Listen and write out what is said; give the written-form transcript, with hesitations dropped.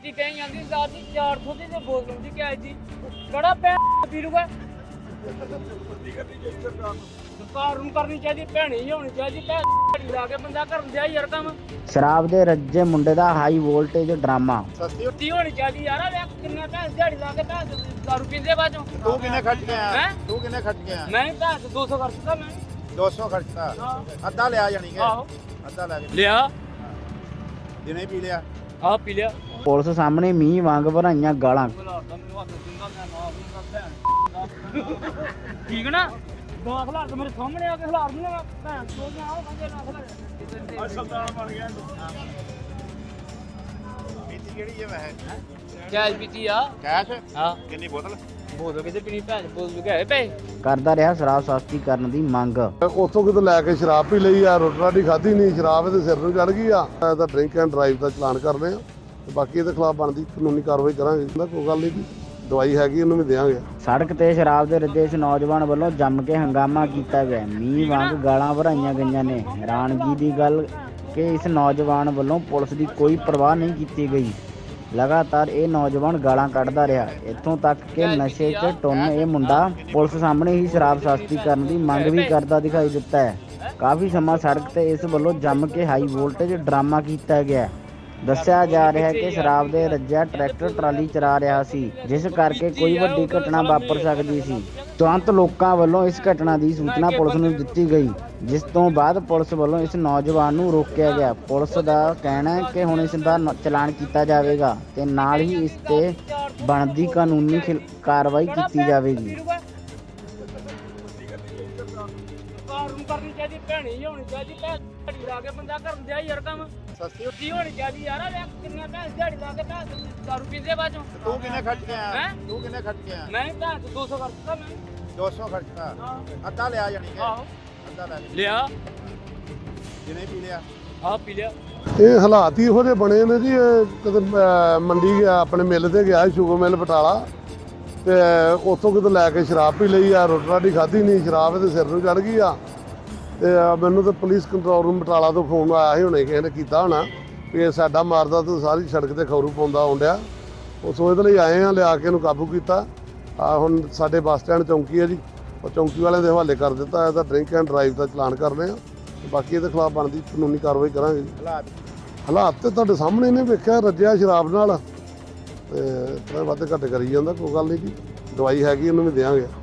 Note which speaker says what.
Speaker 1: ਪੀਤੀ ਕਹੀਂ ਜਾਂਦੀ ਰਾਤ ਦੀ 400 ਦੀ ਤੇ ਬੋਤਲ ਦੀ ਕਿਹਾ ਜੀ ਕਿਹੜਾ ਪੈ ਪੀ ਲੂਗਾ ਸਰਕਾਰ ਨੂੰ ਕਰਨੀ ਚਾਹੀਦੀ ਭੈਣੀ ਹੋਣੀ ਚਾਹੀਦੀ ਭੈੜੀ ਲਾ ਕੇ ਬੰਦਾ ਕਰਨ ਦਿਆ ਯਾਰ ਕੰਮ
Speaker 2: ਸ਼ਰਾਬ ਦੇ ਰੱਜੇ ਮੁੰਡੇ ਦਾ ਹਾਈ ਵੋਲਟੇਜ ਡਰਾਮਾ।
Speaker 1: ਸਸਤੀ ਹੋਣੀ ਚਾਹੀਦੀ ਯਾਰ ਵੇਖ ਕਿੰਨੇ ਭੈਣ ਦਿਹਾੜੀ ਲਾ ਕੇ ਭੈਣ ਦਾਰੂ ਪੀਂਦੇ ਬਾਜੋਂ
Speaker 3: ਤੂੰ ਕਿੰਨੇ ਖਰਚ ਗਿਆ
Speaker 1: ਹੈਂ?
Speaker 3: ਤੂੰ ਕਿੰਨੇ ਖਰਚ ਗਿਆ
Speaker 1: ਮੈਂ ਭੈਣ 200 ਖਰਚਦਾ ਮੈਂ
Speaker 3: 200 ਖਰਚਤਾ
Speaker 1: ਹਾਂ
Speaker 3: ਅੱਧਾ ਲਿਆ ਜਾਣੀ ਕਿ
Speaker 1: ਆਹੋ
Speaker 3: ਅੱਧਾ ਲੈ ਕੇ
Speaker 1: ਲਿਆ
Speaker 3: ਦਿਨੇ ਪੀ ਲਿਆ
Speaker 1: ਆਹ ਪੀ ਲਿਆ
Speaker 2: ਪੁਲਿਸ ਸਾਹਮਣੇ ਮੀਂਹ ਵਾਂਗ ਭਰਾਈਆਂ ਗਾਲਾਂ।
Speaker 1: ਠੀਕ ਨਾ ਦੋ ਖਲਾਰ ਤੇ ਮੇਰੇ ਸਾਹਮਣੇ ਆ ਕੇ ਖਲਾਰ ਨਹੀਂ ਮੈਂ ਭੈਣ ਚੋਦ ਨਾ ਆਓ ਕਹਿੰਦੇ ਨਾ ਖਲਾਰ
Speaker 3: ਸੁਲਤਾਨ ਬਣ ਗਿਆ ਪੀਤੀ ਕਿਹੜੀ ਹੈ ਵੈਸੇ
Speaker 1: ਕੈਸ਼ ਪੀਤੀ ਆ
Speaker 3: ਕੈਸ਼
Speaker 1: ਹਾਂ
Speaker 3: ਕਿੰਨੀ ਬੋਤਲ
Speaker 1: ਬੋਲ ਕਿਤੇ ਪੀਣੀ ਭੈਣ ਬੋਲ ਲੁਕਾਏ ਪਏ
Speaker 2: ਕਰਦਾ ਰਿਹਾ ਸ਼ਰਾਬ ਸਸਤੀ ਕਰਨ ਦੀ ਮੰਗ।
Speaker 4: ਉੱਥੋਂ ਕਿਤੇ ਲੈ ਕੇ ਸ਼ਰਾਬ ਪੀ ਲਈ ਆ, ਰੋਟੀ ਰਾਟੀ ਖਾਧੀ ਨਹੀਂ, ਸ਼ਰਾਬ ਇਹਦੇ ਸਿਰ ਨੂੰ ਚੜ ਗਈ ਆ। ਇਹਦਾ ਡਰਿੰਕ ਐਂਡ ਡਰਾਈਵ ਦਾ ਚਲਾਨ ਕਰਨੇ ਆ ਤੇ ਬਾਕੀ ਇਹਦੇ ਖਿਲਾਫ ਬਣਦੀ ਕਾਨੂੰਨੀ ਕਾਰਵਾਈ ਕਰਾਂਗੇ। ਕੋਈ ਗੱਲ ਨਹੀਂ ਜੀ, ਦਵਾਈ ਹੈਗੀ ਉਹਨੂੰ ਵੀ ਦੇਵਾਂਗੇ।
Speaker 2: ਸੜਕ ਤੇ ਸ਼ਰਾਬ ਦੇ ਰੱਜੇ ਇਸ ਨੌਜਵਾਨ ਵੱਲੋਂ ਜੰਮ ਕੇ ਹੰਗਾਮਾ ਕੀਤਾ ਗਿਆ। ਮੀਂਹ ਵਾਂਗ ਗਾਲਾਂ ਭਰਾਈਆਂ ਗਈਆਂ ਨੇ। ਹੈਰਾਨਗੀ ਦੀ ਗੱਲ ਕਿ ਇਸ ਨੌਜਵਾਨ ਵੱਲੋਂ ਪੁਲਿਸ ਦੀ ਕੋਈ ਪਰਵਾਹ ਨਹੀਂ ਕੀਤੀ ਗਈ। ਲਗਾਤਾਰ ਇਹ ਨੌਜਵਾਨ ਗਾਲਾਂ ਕੱਢਦਾ ਰਿਹਾ, ਇੱਥੋਂ ਤੱਕ ਕਿ ਨਸ਼ੇ 'ਚ ਟੁੰਨ ਇਹ ਮੁੰਡਾ ਪੁਲਿਸ ਸਾਹਮਣੇ ਹੀ ਸ਼ਰਾਬ ਸਸਤੀ ਕਰਨ ਦੀ ਮੰਗ ਵੀ ਕਰਦਾ ਦਿਖਾਈ ਦਿੱਤਾ ਹੈ। ਕਾਫੀ ਸਮਾਂ ਸੜਕ ਤੇ ਇਸ ਵੱਲੋਂ ਜੰਮ ਕੇ ਹਾਈ ਵੋਲਟੇਜ ਡਰਾਮਾ ਕੀਤਾ ਗਿਆ। ਦੱਸਿਆ ਜਾ ਰਿਹਾ ਹੈ ਕਿ ਸ਼ਰਾਬ ਦੇ ਰੱਜਿਆ ਟਰੈਕਟਰ ਟਰਾਲੀ ਚਲਾ ਰਿਹਾ ਸੀ, ਜਿਸ ਕਰਕੇ ਕੋਈ ਵੱਡੀ ਘਟਨਾ ਵਾਪਰ ਸਕਦੀ ਸੀ। ਤੁਰੰਤ ਲੋਕਾਂ ਵੱਲੋਂ ਇਸ ਘਟਨਾ ਦੀ ਸੂਚਨਾ ਪੁਲਿਸ ਨੂੰ ਦਿੱਤੀ ਗਈ, ਜਿਸ ਤੋਂ ਬਾਅਦ ਪੁਲਿਸ ਵੱਲੋਂ ਇਸ ਨੌਜਵਾਨ ਨੂੰ ਰੋਕਿਆ ਗਿਆ। ਪੁਲਿਸ ਦਾ ਕਹਿਣਾ ਹੈ ਕਿ ਹੁਣ ਇਸ ਦਾ ਚਲਾਨ ਕੀਤਾ ਜਾਵੇਗਾ ਤੇ ਨਾਲ ਹੀ ਇਸ ਤੇ ਬਣਦੀ ਕਾਨੂੰਨੀ ਕਾਰਵਾਈ ਕੀਤੀ ਜਾਵੇਗੀ।
Speaker 1: ਸਰਕਾਰ ਨੂੰ ਕਰਨੀ ਚਾਹੀਦੀ ਭੈਣੀ ਹੋਣੀ ਚਾਹੀਦੀ ਭੈੜੀ ਲਾ ਕੇ ਬੰਦਾ ਕਰਨ ਦਿਆ ਯਾਰ ਕੰਮ ਸਸਤੀ ਹੋਣੀ ਚਾਹੀਦੀ ਯਾਰ ਵੇਖ ਕਿੰਨੇ ਭੈਣ ਦਿਹਾੜੀ ਲਾ ਕੇ ਭੈਣ ਦਾਰੂ ਪੀਂਦੇ ਬਾਜੋਂ
Speaker 3: ਤੂੰ ਕਿੰਨੇ ਖਰਚ ਗਿਆ
Speaker 1: ਹੈਂ?
Speaker 3: ਤੂੰ ਕਿੰਨੇ ਖਰਚ ਗਿਆ
Speaker 1: ਮੈਂ ਭੈਣ 200 ਖਰਚਦਾ ਮੈਂ
Speaker 3: 200 ਖਰਚਤਾ
Speaker 1: ਹਾਂ
Speaker 3: ਅੱਧਾ ਲਿਆ ਜਾਣੀ ਕਿ
Speaker 1: ਆਹੋ
Speaker 3: ਅੱਧਾ ਲੈ ਕੇ
Speaker 1: ਲਿਆ
Speaker 3: ਦਿਨੇ ਪੀ ਲਿਆ
Speaker 1: ਆਹ ਪੀ ਲਿਆ
Speaker 4: ਇਹ ਹਾਲਾਤ ਹੀ ਇਹੋ ਜਿਹੇ ਬਣੇ ਨੇ ਜੀ। ਇਹ ਕਦੇ ਮੰਡੀ ਗਿਆ, ਆਪਣੇ ਮਿੱਲ ਤੇ ਗਿਆ, ਸ਼ੂਗਰ ਮਿੱਲ ਬਟਾਲਾ, ਤੇ ਉੱਥੋਂ ਕਿਤੇ ਲੈ ਕੇ ਸ਼ਰਾਬ ਪੀ ਲਈ ਆ, ਰੋਟੀ ਰਾਟੀ ਖਾਧੀ ਨਹੀਂ, ਸ਼ਰਾਬ ਇਹਦੇ ਸਿਰ ਨੂੰ ਚੜ ਗਈ ਆ। ਤੇ ਮੈਨੂੰ ਤਾਂ ਪੁਲਿਸ ਕੰਟਰੋਲ ਰੂਮ ਬਟਾਲਾ ਤੋਂ ਫੋਨ ਆਇਆ ਸੀ, ਹੁਣੇ ਕਿਸੇ ਨੇ ਕੀਤਾ ਹੋਣਾ ਵੀ ਇਹ ਸਾਡਾ ਮਾਰਦਾ ਤਾਂ ਸਾਰੀ ਸੜਕ ਤੇ ਖੌਰੂ ਪਾਉਂਦਾ ਆਉਂਦਿਆ। ਉਸ ਉਹਦੇ ਲਈ ਆਏ ਆ, ਲਿਆ ਕੇ ਇਹਨੂੰ ਕਾਬੂ ਕੀਤਾ। ਆ ਹੁਣ ਸਾਡੇ ਬੱਸ ਸਟੈਂਡ ਚੌਂਕੀ ਹੈ ਜੀ, ਉਹ ਚੌਂਕੀ ਵਾਲਿਆਂ ਦੇ ਹਵਾਲੇ ਕਰ ਦਿੱਤਾ। ਇਹਦਾ ਡਰਿੰਕ ਐਂਡ ਡਰਾਈਵ ਦਾ ਚਲਾਨ ਕਰਨੇ ਆ ਤੇ ਬਾਕੀ ਇਹਦੇ ਖਿਲਾਫ ਬਣਦੀ ਕਾਨੂੰਨੀ ਕਾਰਵਾਈ ਕਰਾਂਗੇ ਜੀ। ਹਾਲਾਤ ਤੇ ਤੁਹਾਡੇ ਸਾਹਮਣੇ ਨੇ ਵੇਖਿਆ, ਰੱਜਿਆ ਸ਼ਰਾਬ ਨਾਲ ਤੇ ਥੋੜ੍ਹਾ ਵੱਧ ਘੱਟ ਕਰੀ ਜਾਂਦਾ। ਕੋਈ ਗੱਲ ਨਹੀਂ ਜੀ, ਦਵਾਈ ਹੈਗੀ ਉਹਨੂੰ ਵੀ ਦੇਵਾਂਗੇ।